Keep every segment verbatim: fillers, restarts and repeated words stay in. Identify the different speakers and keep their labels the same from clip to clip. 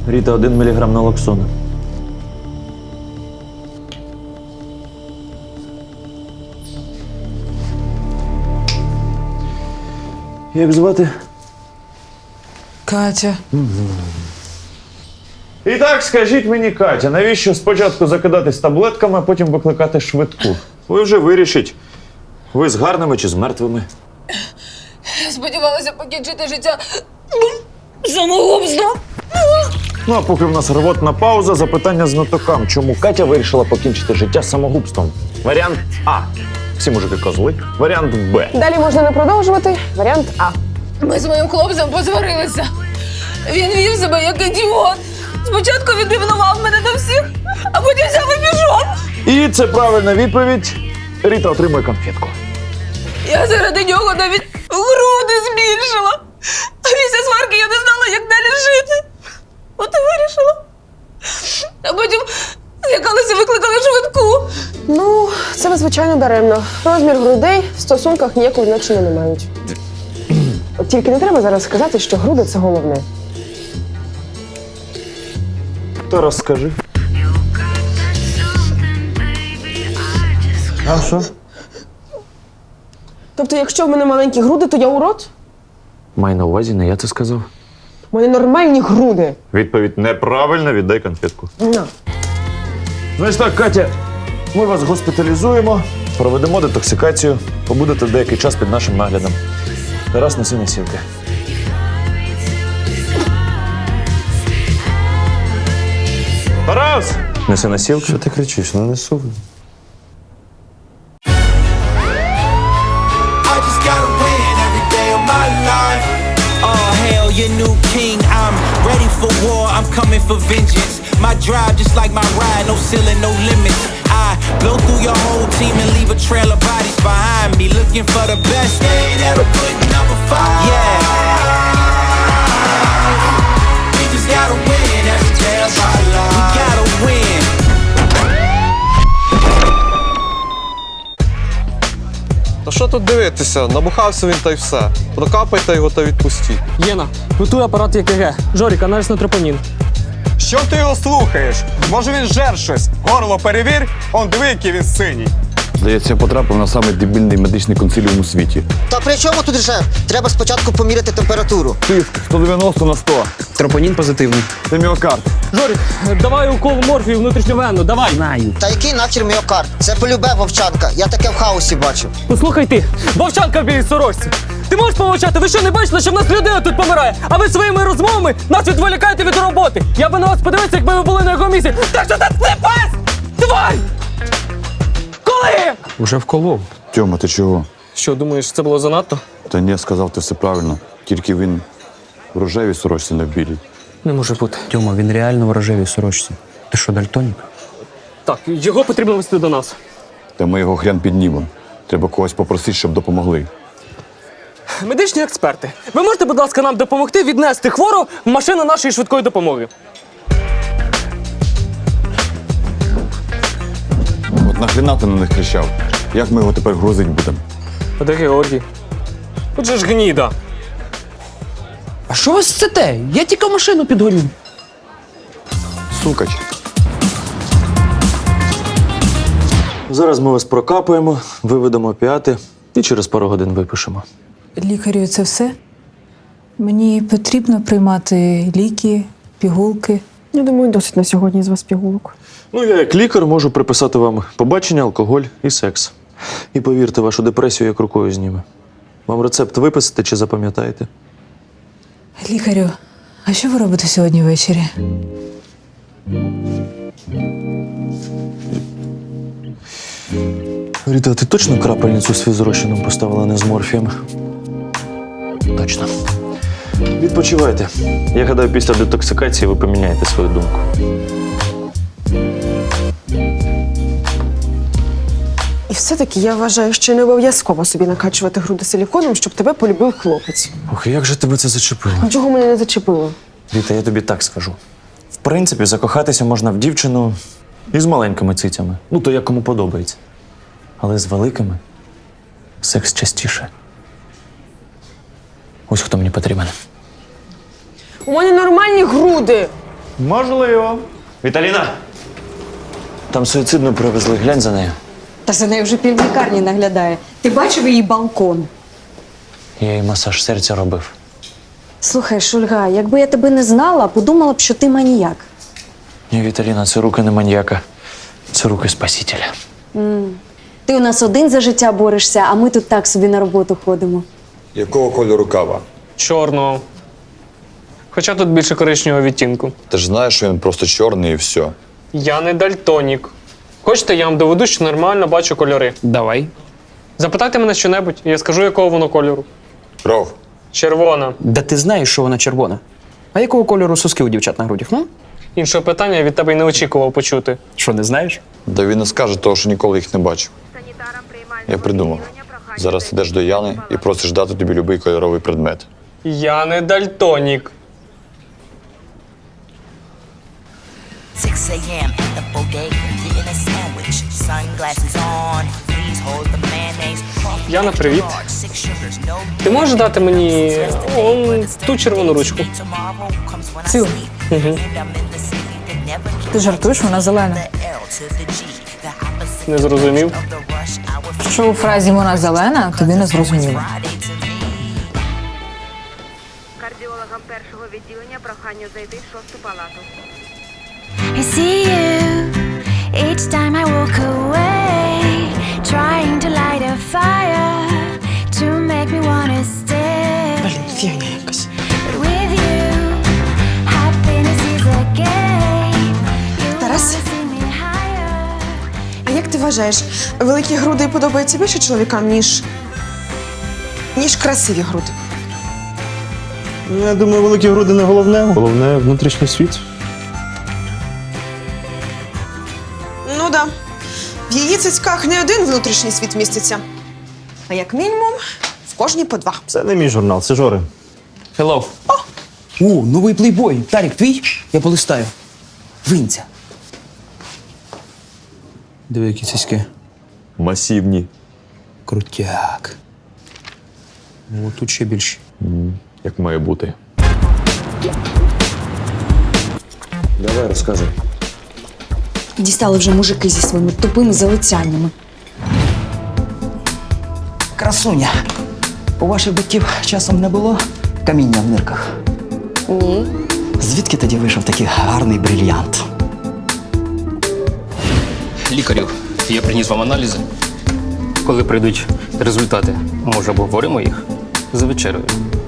Speaker 1: Ріта, один міліграм налоксону. Як звати?
Speaker 2: Катя.
Speaker 1: І так, скажіть мені, Катя, навіщо спочатку закидатись таблетками, а потім викликати швидку? Ви вже вирішіть, ви з гарними чи з мертвими.
Speaker 2: Я сподівалася покінчити життя самогубством.
Speaker 1: Ну, а поки в нас рвотна пауза, запитання знатокам. Чому Катя вирішила покінчити життя самогубством? Варіант А. Всі мужики козли. Варіант Б.
Speaker 3: Далі можна не продовжувати. Варіант А.
Speaker 2: Ми з моїм хлопцем посварилися. Він вів себе як ідіот. Спочатку він ревнував мене до всіх, а потім взяв і пішов.
Speaker 1: І це правильна відповідь. Ріта отримує конфетку.
Speaker 2: Я заради нього навіть груди збільшила. А після сварки я не знала, як далі жити. От і вирішила. А потім злякалася, викликали швидку.
Speaker 3: Ну, це ви, звичайно, даремно. Розмір грудей в стосунках ніякого значення не мають. От тільки не треба зараз сказати, що груди – це головне.
Speaker 1: То розкажи. А що?
Speaker 3: Тобто, якщо в мене маленькі груди, то я урод?
Speaker 1: Маю на увазі, не я це сказав.
Speaker 3: У мене нормальні груди.
Speaker 1: Відповідь неправильна, віддай конфетку.
Speaker 3: На.
Speaker 1: Значить так, Катя, ми вас госпіталізуємо, проведемо детоксикацію, побудете деякий час під нашим наглядом. Тарас, неси носілки. Тарас! Неси носілки.
Speaker 4: Що ти кричиш? Ну несу.
Speaker 5: I just gotta win every day of my life. Oh, hail your new king. I'm ready for war. I'm coming for vengeance. My drive just like my ride. No ceiling, no limits. I blow through your whole team and leave a trail of bodies behind me. Looking for the best. They ain't ever putting up a fight. Yeah. We just gotta win every day of our life. We gotta win.
Speaker 4: Та що тут дивитися? Набухався він та й все. Прокапайте його та відпустіть.
Speaker 6: Єна, готуй апарат ЕКГ. Жорік, аналіз на тропонін.
Speaker 7: Що ти його слухаєш? Може він жер щось? Горло перевір, он диви, який він синій.
Speaker 8: Здається, я потрапив на самий дебільний медичний консиліум у світі.
Speaker 9: Та при чому тут режим? Треба спочатку поміряти температуру.
Speaker 8: Тиск сто дев'яносто на сто.
Speaker 6: Тропонін позитивний.
Speaker 8: Це міокард.
Speaker 6: Жорік, давай укол морфію внутрішньовенно, давай. Знаю.
Speaker 9: Та який нахер міокард? Це полюбе вовчанка. Я таке в хаосі бачив.
Speaker 6: Послухай ти, вовчанка в білій сорочці. Ти можеш помовчати? Ви що, не бачили, що в нас людина тут помирає? А ви своїми розмовами нас відволікаєте від роботи. Я би на вас подивився, якби ви були на його місці. Так що ти пес! Тварь! Коли?
Speaker 8: Уже вколов. Тьома, ти чого?
Speaker 6: Що, думаєш, це було занадто?
Speaker 8: Та ні, сказав ти все правильно. Тільки він в рожевій сорочці, не в білій.
Speaker 6: Не може бути.
Speaker 10: Тьома, він реально в рожевій сорочці. Ти що, дальтонік?
Speaker 6: Так, його потрібно вести до нас.
Speaker 8: Та ми його хрен піднімемо. Треба когось попросити, щоб допомогли.
Speaker 6: Медичні експерти, ви можете, будь ласка, нам допомогти віднести хворого в машину нашої швидкої допомоги?
Speaker 8: От нахрена ти на них кричав? Як ми його тепер грузить будемо?
Speaker 6: А де Георгій? От же ж гніда.
Speaker 10: А що ви сцете? Я тільки машину підгоню.
Speaker 8: Сукач.
Speaker 1: Зараз ми вас прокапаємо, виведемо опіати і через пару годин випишемо.
Speaker 11: Лікарю, це все? Мені потрібно приймати ліки, пігулки.
Speaker 3: Я думаю, досить на сьогодні з вас пігулок.
Speaker 1: Ну, я як лікар можу приписати вам побачення, алкоголь і секс. І повірте, вашу депресію як рукою зніме. Вам рецепт виписати чи запам'ятаєте?
Speaker 11: Лікарю, а що ви робите сьогодні ввечері?
Speaker 1: Ріта, ти точно крапельницю з фізрозчином поставила, не з морфієм? Точно. Відпочивайте. Я гадаю, після детоксикації ви поміняєте свою думку.
Speaker 3: І все-таки я вважаю, що не обов'язково собі накачувати груди силіконом, щоб тебе полюбив хлопець.
Speaker 1: Ох, як же тебе це зачепило?
Speaker 3: А чого мене не зачепило?
Speaker 1: Ріта, я тобі так скажу. В принципі, закохатися можна в дівчину із маленькими цицями. Ну, то як кому подобається. Але з великими секс частіше. Ось хто мені потрібен.
Speaker 3: У мене нормальні груди.
Speaker 1: Можливо. Віталіна! Там суїцидну привезли, глянь за нею.
Speaker 11: Та за нею вже півлікарні наглядає. Ти бачив її балкон?
Speaker 1: Я їй масаж серця робив.
Speaker 11: Слухай, Шульга, якби я тебе не знала, подумала б, що ти маніяк.
Speaker 1: Ні, Віталіна, це руки не маньяка. Це руки спасителя.
Speaker 11: Ти у нас один за життя борешся, а ми тут так собі на роботу ходимо.
Speaker 8: Якого кольору кава?
Speaker 6: Чорного. Хоча тут більше коричневого відтінку.
Speaker 8: Ти ж знаєш, що він просто чорний і все.
Speaker 6: Я не дальтонік. Хочете, я вам доведу, що нормально бачу кольори.
Speaker 10: Давай.
Speaker 6: Запитайте мене що-небудь, і я скажу, якого воно кольору.
Speaker 8: Кров.
Speaker 6: Червона.
Speaker 10: Да ти знаєш, що вона червона. А якого кольору соски у дівчат на грудях? Ну?
Speaker 6: Іншого питання я від тебе й не очікував почути.
Speaker 10: Що, не знаєш?
Speaker 8: Да він не скаже того, що ніколи їх не бачив. Я придумав. Зараз ідеш до Яни і просиш дати тобі будь-який кольоровий предмет.
Speaker 6: Я не дальтонік.
Speaker 5: six a.m. at the bodega, getting a sandwich. Sunglasses on, please hold the mayonnaise.
Speaker 6: Яна, привіт.
Speaker 5: Six sugars, no
Speaker 6: Ти можеш дати мені он, ту червону ручку?
Speaker 5: tomorrow comes when I
Speaker 11: Цю.
Speaker 5: sleep. And I'm in the city that never
Speaker 11: Ти жартуєш, вона зелена.
Speaker 5: the L to the G, the opposite
Speaker 6: Не зрозумів.
Speaker 5: of the rush hour.
Speaker 11: Що у фразі вона зелена, тобі не зрозуміло.
Speaker 5: Friday to me.
Speaker 2: Кардіологам першого відділення прохання зайти в шосту палату.
Speaker 12: I see you each time I walk away, trying to light a fire to make me wanna stay.
Speaker 10: Блін, фігня якась.
Speaker 12: But with you, happiness is a game. You
Speaker 3: Тарас?
Speaker 12: wanna see me higher.
Speaker 3: А як ти вважаєш, великі груди подобаються більше чоловікам, ніж. ніж красиві груди?
Speaker 13: Я думаю, великі груди не головне, головне внутрішній світ.
Speaker 3: Ну да. В її цицьках не один внутрішній світ міститься. А як мінімум, в кожній по два.
Speaker 13: Це не мій журнал, це Жори.
Speaker 10: Hello. О, новий плейбой. Тарік, твій? Я полистаю. Винця. Диви, які цицьки.
Speaker 8: Масивні.
Speaker 10: Крутяк. О, тут ще більше.
Speaker 8: Як має бути.
Speaker 1: Давай розказуй.
Speaker 11: Дістали вже мужики зі своїми тупими залицяннями.
Speaker 10: Красуня. У ваших батьків часом не було каміння в нирках?
Speaker 3: Ні.
Speaker 10: Звідки тоді вийшов такий гарний брильянт?
Speaker 14: Лікарю, я приніс вам аналізи. Коли прийдуть результати, може, обговоримо їх за вечерею.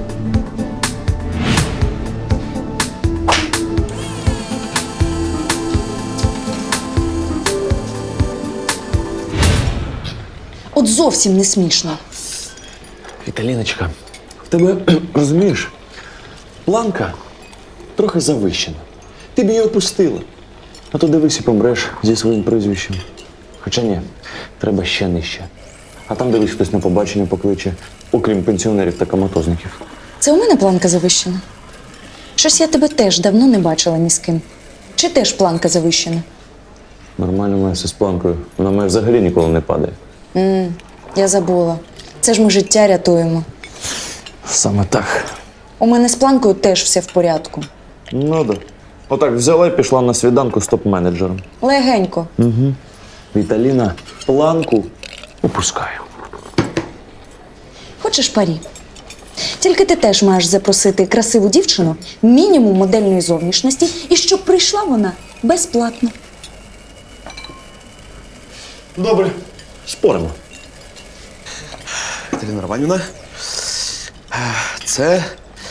Speaker 11: От зовсім не смішно.
Speaker 1: Віталіночка, в тебе, розумієш, планка трохи завищена. Ти б її опустила. А то дивись і помреш зі своїм прізвищем. Хоча ні, треба ще нижче. А там дивись, хтось на побачення покличе, окрім пенсіонерів та коматозників.
Speaker 11: Це у мене планка завищена? Щось я тебе теж давно не бачила ні з ким. Чи теж планка завищена?
Speaker 1: Нормально має все з планкою. Вона має взагалі ніколи не падає.
Speaker 11: М, я забула. Це ж ми життя рятуємо.
Speaker 1: Саме так.
Speaker 11: У мене з планкою теж все в порядку.
Speaker 1: Ну да. Отак взяла і пішла на свіданку з топ-менеджером.
Speaker 11: Легенько.
Speaker 1: Угу. Віталіна планку опускає.
Speaker 11: Хочеш парі? Тільки ти теж маєш запросити красиву дівчину, мінімум модельної зовнішності, і щоб прийшла вона безплатно.
Speaker 1: Добре, споримо.
Speaker 15: Катерина Романівна, це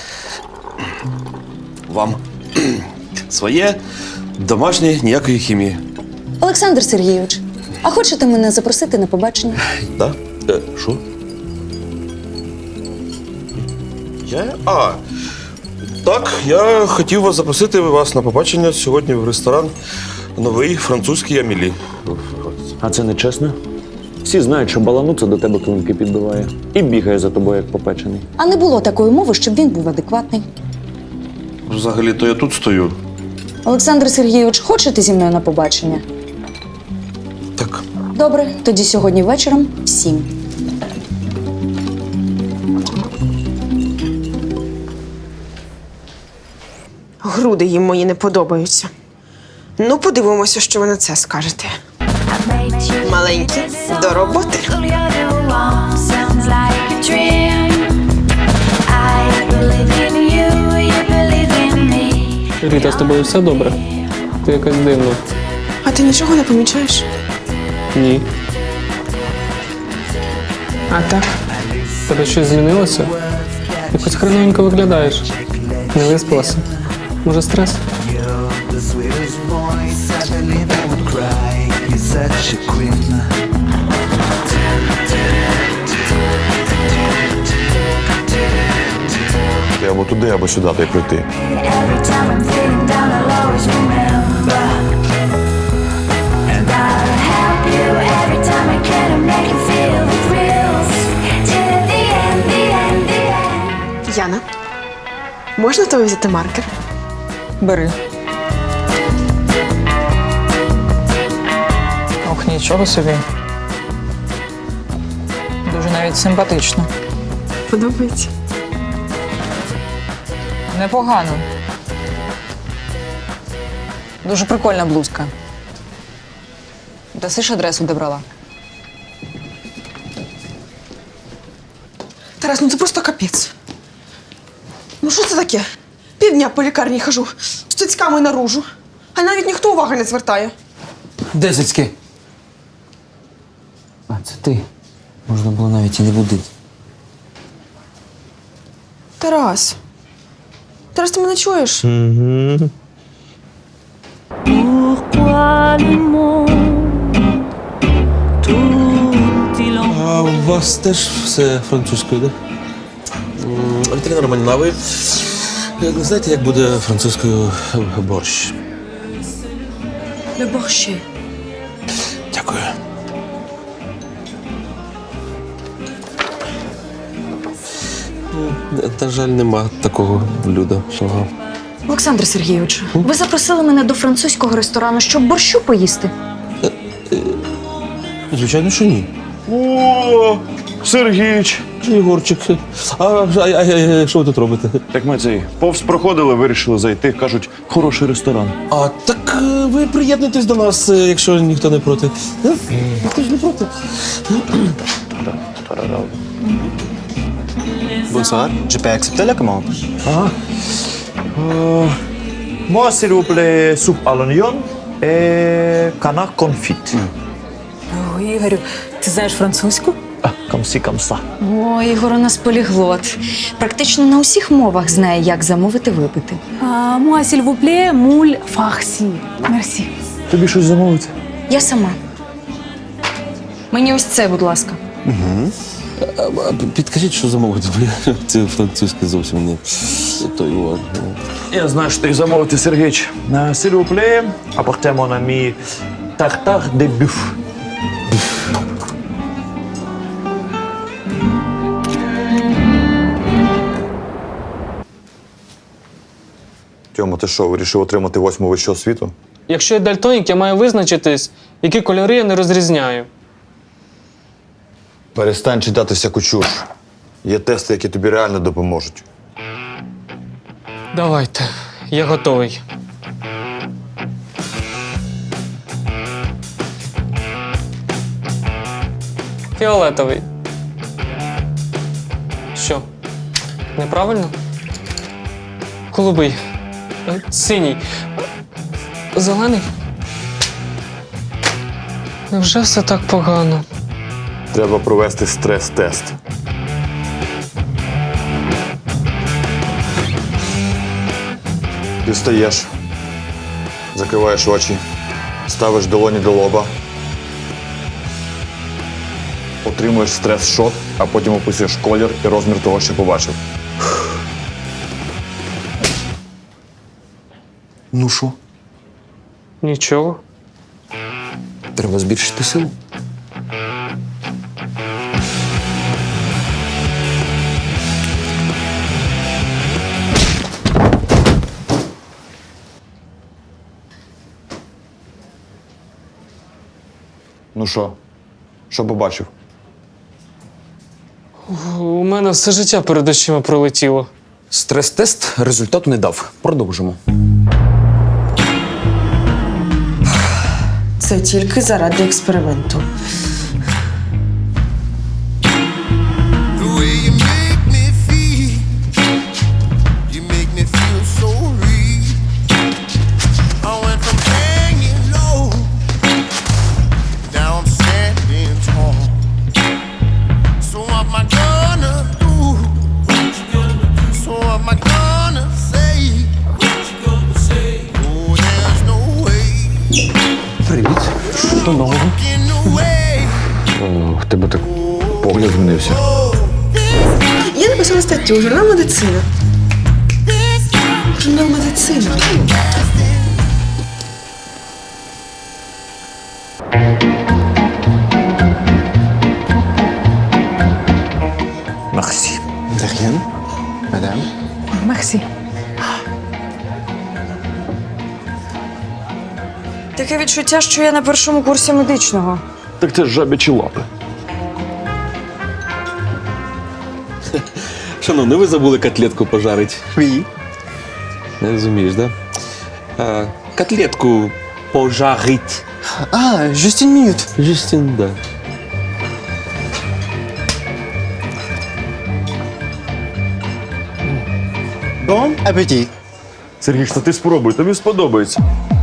Speaker 15: вам своє домашнє, ніякої хімії.
Speaker 11: Олександр Сергійович, а хочете мене запросити на побачення?
Speaker 15: Да? Е, Що? Я? А, так, я хотів вас запросити вас на побачення сьогодні в ресторан «Новий французький Амілі».
Speaker 1: А це не чесно? Всі знають, що балануца до тебе клинки підбиває і бігає за тобою, як попечений.
Speaker 11: А не було такої мови, щоб він був адекватний.
Speaker 15: Взагалі-то я тут стою.
Speaker 11: Олександр Сергійович, хочете зі мною на побачення?
Speaker 15: Так.
Speaker 11: Добре, тоді сьогодні вечором в сім.
Speaker 3: груди їм мої не подобаються. Ну, подивимося, що ви на це скажете. Маленькі, до роботи.
Speaker 12: Sounds like a dream. I believe in you, you believe in me.
Speaker 6: Ріта, з тобою все добре? Ти якась дивна.
Speaker 3: А ти нічого не помічаєш?
Speaker 6: Ні.
Speaker 3: А так?
Speaker 6: Тебе щось змінилося? Якось хреновенько виглядаєш. Не виспалася? Може, стрес?
Speaker 8: Ти або туди, або сюди та й прийти.
Speaker 12: Every time I'm feeling down, I'll always remember. And I'll help you every time I can to make you feel the thrills. Till the end, the end, the end.
Speaker 3: Яна, можна тобі взяти маркер?
Speaker 10: Бери. Ох, нічого собі. Дуже навіть симпатично.
Speaker 3: Подобається.
Speaker 10: Непогано. Дуже прикольна блузка. Дасиш адресу, де брала?
Speaker 3: Тарас, ну це просто капець. Ну що це таке? Півдня по лікарні хожу, з цицьками наружу. А навіть ніхто уваги не звертає.
Speaker 10: Де цицьки? А, це ти. Можна було навіть і не будити.
Speaker 3: Тарас. Тарас, ти мене чуєш?
Speaker 13: Угу.
Speaker 15: А у вас теж все французькою, так? Да? Вітрина Романівна, а ви як знаєте, як буде французькою борщ?
Speaker 3: Le борщі.
Speaker 15: Дякую. Ну, на жаль, нема такого блюда. Ага.
Speaker 11: Олександр Сергійович, ви запросили мене до французького ресторану, щоб борщу поїсти?
Speaker 15: Звичайно, що ні.
Speaker 1: О, Сергійч!
Speaker 15: Єгорчик, а, а, а, а що ви тут робите?
Speaker 1: Так ми цей повз проходили, вирішили зайти. Кажуть, хороший ресторан.
Speaker 15: А так е, ви приєднуйтесь до нас, е, якщо ніхто не проти. Е? Ніхто ж не проти.
Speaker 9: Bonsoir, je peux accepter la commande?
Speaker 13: Ага. Euh, moi, s'il vous plaît, soupe à l'oignon et canard confit.
Speaker 11: О, Ігорю, ти знаєш французьку?
Speaker 13: Ah, comme ci, comme ça.
Speaker 11: О, Ігор у нас поліглот. Практично на усіх мовах знає, як замовити випити.
Speaker 2: Moi, s'il vous plaît, moule farci. Merci.
Speaker 1: Тобі щось замовити?
Speaker 11: Я сама. Мені ось це, будь ласка.
Speaker 15: А, а, Підкажіть, що замовити, бо я це французьке зовсім не той от.
Speaker 1: Я знаю, що ти замовити, Сергійч.
Speaker 13: Euh, s'il vous plaît, apportez à mon ami tartare de buff.
Speaker 8: Тьома, ти що, вирішив отримати восьму вищу освіту?
Speaker 6: Якщо я дальтонік, я маю визначитись, які кольори я не розрізняю.
Speaker 8: Перестань читати всяку чуш. Є тести, які тобі реально допоможуть.
Speaker 6: Давайте, я готовий. Фіолетовий. Що? Неправильно? Голубий. Е, Синій. Е, Зелений. Невже все так погано?
Speaker 8: Треба провести стрес-тест. Ти встаєш, закриваєш очі, ставиш долоні до лоба, отримуєш стрес-шот, а потім описуєш колір і розмір того, що побачив.
Speaker 1: Ну що,
Speaker 6: Нічого.
Speaker 1: треба збільшити силу?
Speaker 8: Ну що? Що побачив?
Speaker 6: У мене все життя перед очима пролетіло.
Speaker 1: Стрес-тест результату не дав. Продовжимо.
Speaker 3: Це тільки заради експерименту.
Speaker 12: The way you make me feel, you make me feel so real. I went from hanging low, now I'm standing tall. So what am I gonna do? So what am I gonna say? Oh, there's no way.
Speaker 1: Привіт. Що нового? О, в тебе так погляд змінився.
Speaker 3: Я написала статтю «Журнал медицина». Журнал медицина.
Speaker 1: Merci. De rien, madame.
Speaker 3: Максі. Таке відчуття, що я на першому курсі медичного.
Speaker 1: Так це ж жабячі лапи.
Speaker 15: Шановний, ви забули котлетку пожарити. Ві. Не розумієш, да? А, котлетку пожарить.
Speaker 10: А, just une minute.
Speaker 15: Жестин, да.
Speaker 9: Bon appétit.
Speaker 1: Сергій, що ти спробуй, тобі сподобається.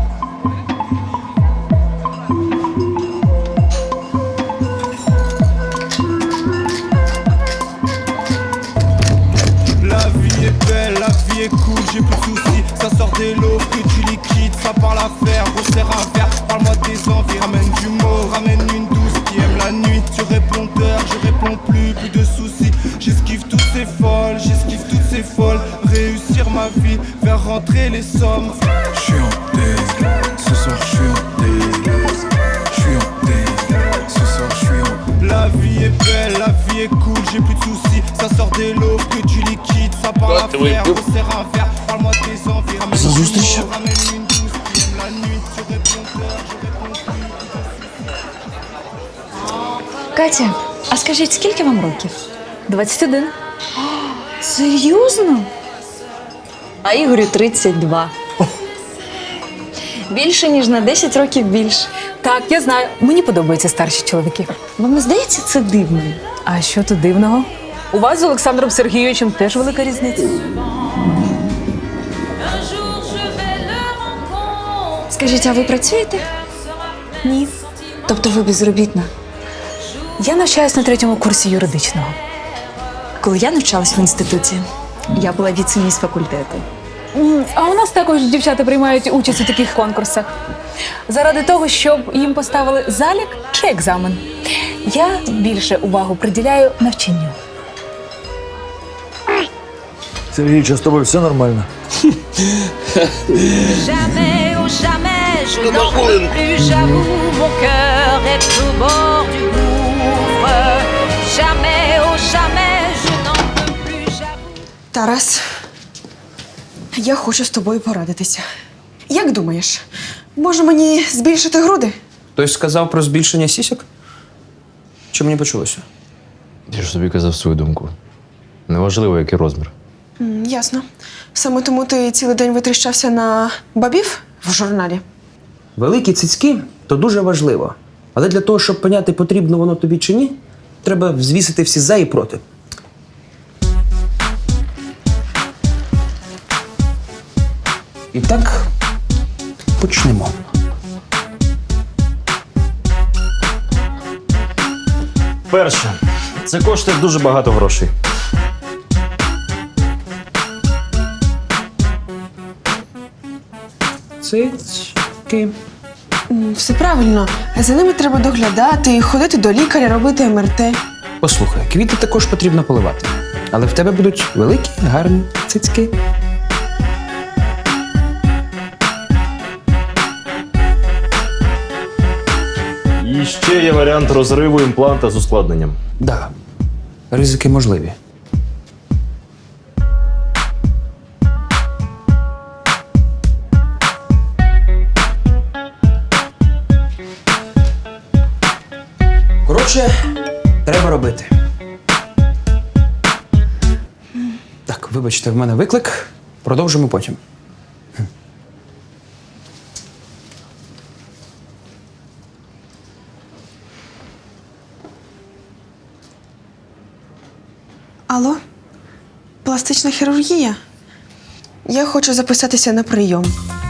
Speaker 12: La vie est belle, la vie est cool, j'ai plus de soucis. Ça sort des lots que tu liquides, ça parle à faire, resserre un verre. Parle-moi de tes envies, ramène du mot, ramène une douce qui aime la nuit. Sur répondeur, je réponds plus, plus de soucis. J'esquive toutes ces folles, j'esquive toutes ces folles. Réussir ma vie, faire rentrer les sommes. Je suis en tête, ce soir je suis en tête. Je suis en tête, ce soir je suis en tête. La vie est belle, la vie est cool, j'ai plus de soucis. Ça sort des lots que tu liquides, ça parle à faire, resserre un verre. Parle-moi de tes envies, ramène du mot, ramène une douce qui aime la nuit. Sur répondeur, je réponds plus.
Speaker 11: Катя, а скажіть, скільки вам років?
Speaker 2: двадцять один.
Speaker 11: Серйозно? А Ігорю тридцять два. Більше, ніж на десять років більше.
Speaker 2: Так, я знаю. Мені подобаються старші чоловіки.
Speaker 11: Вам не здається це дивним?
Speaker 2: А що тут дивного? У вас з Олександром Сергійовичем теж велика різниця.
Speaker 11: Скажіть, а ви працюєте?
Speaker 2: Ні.
Speaker 11: Тобто ви безробітна?
Speaker 2: Я навчаюсь на третьому курсі юридичного.
Speaker 11: Коли я навчалась в інституті, я була віце-міс факультету.
Speaker 2: М, А у нас також дівчата приймають участь у таких конкурсах. Заради того, щоб їм поставили залік чи екзамен. Я більше увагу приділяю навчанню.
Speaker 1: Сергій, чи з тобою все нормально?
Speaker 12: Jamais, oh jamais, je n'en peux plus, j'avoue, mon cœur est au bord du gouffre. Jamais, oh jamais, je n'en peux plus, j'avoue.
Speaker 3: Тарас, я хочу з тобою порадитися. Як думаєш, може мені збільшити груди?
Speaker 10: Хтось сказав про збільшення сісік? Чи мені почулося?
Speaker 16: Я ж собі казав свою думку. Неважливо, який розмір.
Speaker 3: М, ясно. Саме тому ти цілий день витріщався на бабів в журналі.
Speaker 10: Великі цицьки то дуже важливо. Але для того, щоб поняти, потрібно воно тобі чи ні, треба взвісити всі за і проти. І так, почнемо.
Speaker 17: Перше, це коштує дуже багато грошей.
Speaker 10: Цицьки.
Speaker 3: М, Все правильно. За ними треба доглядати, ходити до лікаря, робити ем ер те.
Speaker 10: Послухай, квіти також потрібно поливати. Але в тебе будуть великі, гарні цицьки.
Speaker 17: І ще є варіант розриву імпланта з ускладненням.
Speaker 10: Да, ризики можливі. Коротше, треба робити. Так, вибачте, в мене виклик. Продовжимо потім.
Speaker 3: Алло? Пластична хірургія? Я хочу записатися на прийом.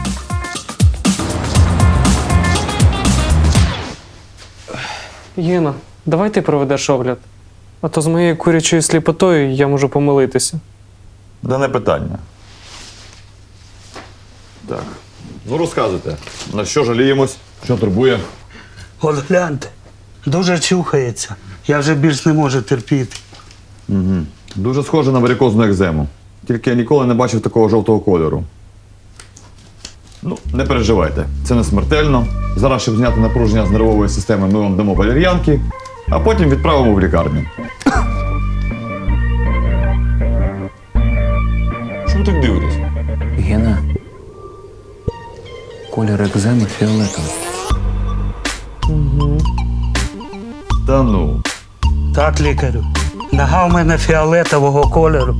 Speaker 6: Єна, давай ти проведеш огляд. А то з моєю курячою сліпотою я можу помилитися.
Speaker 8: Да не питання. Так. Ну розказуйте, на що жаліємось, що турбує?
Speaker 18: От гляньте, дуже чухається. Я вже більш не можу терпіти.
Speaker 8: Угу. Дуже схоже на варикозну екзему. Тільки я ніколи не бачив такого жовтого кольору. Ну, не переживайте, це не смертельно. Зараз, щоб зняти напруження з нервової системи, ми вам дамо валер'янки, а потім відправимо в лікарню. Що ви так дивитесь?
Speaker 16: Гена. Колір екземи фіолетовий.
Speaker 6: Угу.
Speaker 8: Та ну.
Speaker 18: Так, лікарю. Нога в мене фіолетового кольору.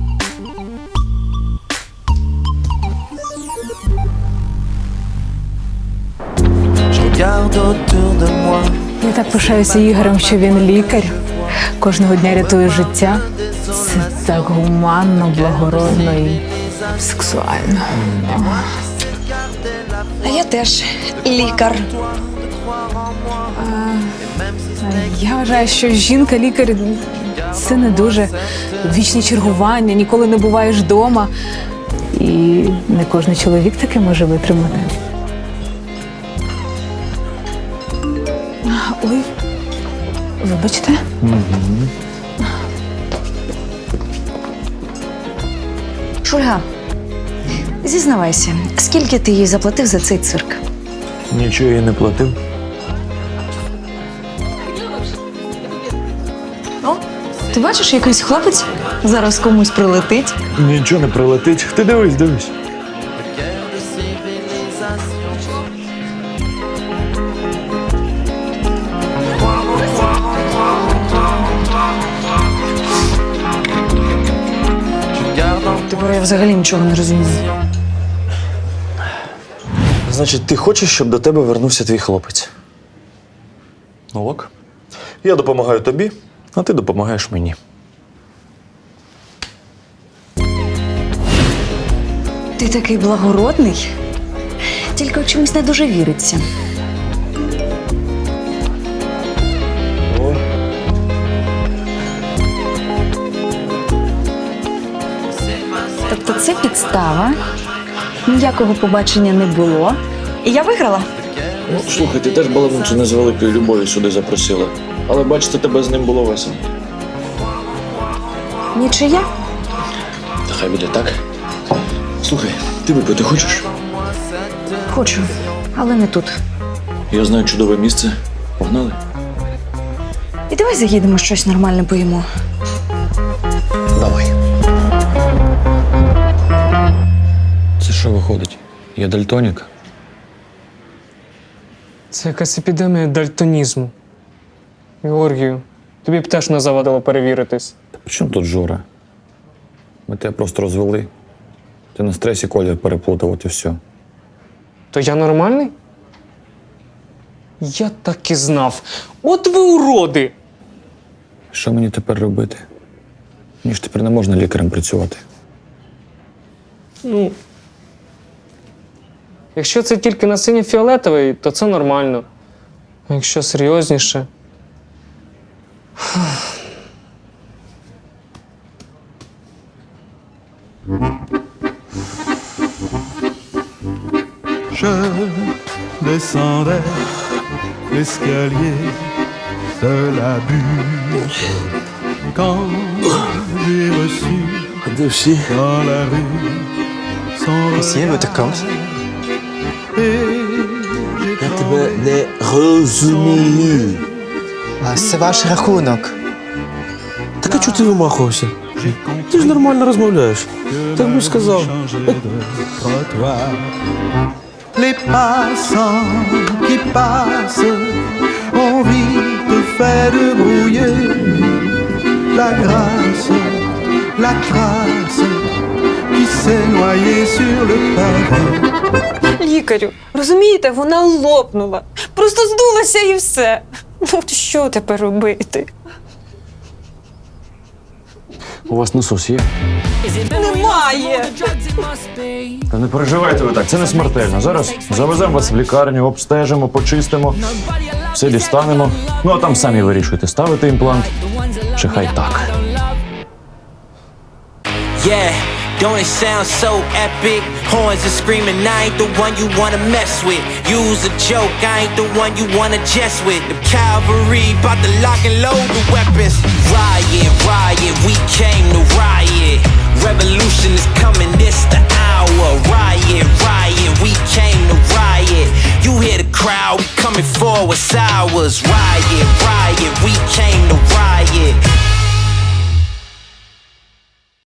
Speaker 2: Я так пишаюся Ігорем, що він лікар. Кожного дня рятує життя. Це так гуманно, благородно і сексуально.
Speaker 11: А я теж лікар.
Speaker 2: А, я вважаю, що жінка-лікар – це не дуже. Вічні чергування, ніколи не буваєш вдома. І не кожен чоловік таке може витримати. Ой, вибачте.
Speaker 11: Шульга, зізнавайся, скільки ти їй заплатив за цей цирк?
Speaker 1: Нічого я не платив.
Speaker 11: О, ти бачиш, якийсь хлопець зараз комусь прилетить?
Speaker 1: Нічого не прилетить. Ти дивись, дивись.
Speaker 11: Тепер я взагалі нічого не розумію.
Speaker 1: Значить, ти хочеш, щоб до тебе вернувся твій хлопець? Ну ок. Я допомагаю тобі, а ти допомагаєш мені.
Speaker 11: Ти такий благородний, тільки в чомусь не дуже віриться. Тобто це підстава, ніякого побачення не було, і я виграла.
Speaker 1: Ну, слухай, ти теж баламуту не з великої любові сюди запросила. Але бачите, тебе з ним було весело.
Speaker 11: Нічия?
Speaker 1: Та хай буде так. Слухай, ти випити хочеш?
Speaker 11: Хочу, але не тут.
Speaker 1: Я знаю чудове місце. Погнали?
Speaker 11: І давай заїдемо щось нормальне поїмо.
Speaker 1: Давай. Це що виходить? Я дальтонік?
Speaker 6: Це якась епідемія дальтонізму. Георгію, тобі б теж не завадило перевіритись.
Speaker 8: Та при чому тут Жора? Ми тебе просто розвели. Ти на стресі колір переплутав, от і все.
Speaker 6: То я нормальний? Я так і знав. От ви уроди!
Speaker 8: Що мені тепер робити? Мені ж тепер не можна лікарем працювати.
Speaker 6: Ну. Якщо це тільки на синій фіолетовий, то це нормально. А якщо серйозніше.
Speaker 19: Je descendais l'escalier de la bûche quand j'ai reçu dans la rue son regard.
Speaker 20: Я тебе не розумію. А це ваш рахунок.
Speaker 15: Так а чого ти вимахувався? Ти ж нормально розмовляєш. Так би сказав.
Speaker 19: Les passants qui passent ont vite fait de brouiller la grâce, la trace qui s'est noyée sur le pavé.
Speaker 2: Лікарю, розумієте, вона лопнула. Просто здулася і все. Ну, що тепер робити?
Speaker 1: У вас насос є?
Speaker 2: Немає.
Speaker 8: Та не переживайте ви так, це не смертельно. Зараз завеземо вас в лікарню, обстежимо, почистимо, все дістанемо. Ну а там самі вирішуйте, ставити імплант чи хай так.
Speaker 5: Yeah, don't it sound so epic? Horns are screaming, I ain't the one you wanna mess with. Use a joke, I ain't the one you wanna jest with. The cavalry bout to lock and load the weapons. Riot, riot, we came to riot. Revolution is coming, this the hour. Riot, riot, we came to riot. You hear the crowd, we coming forward, it's ours. Riot, riot, we came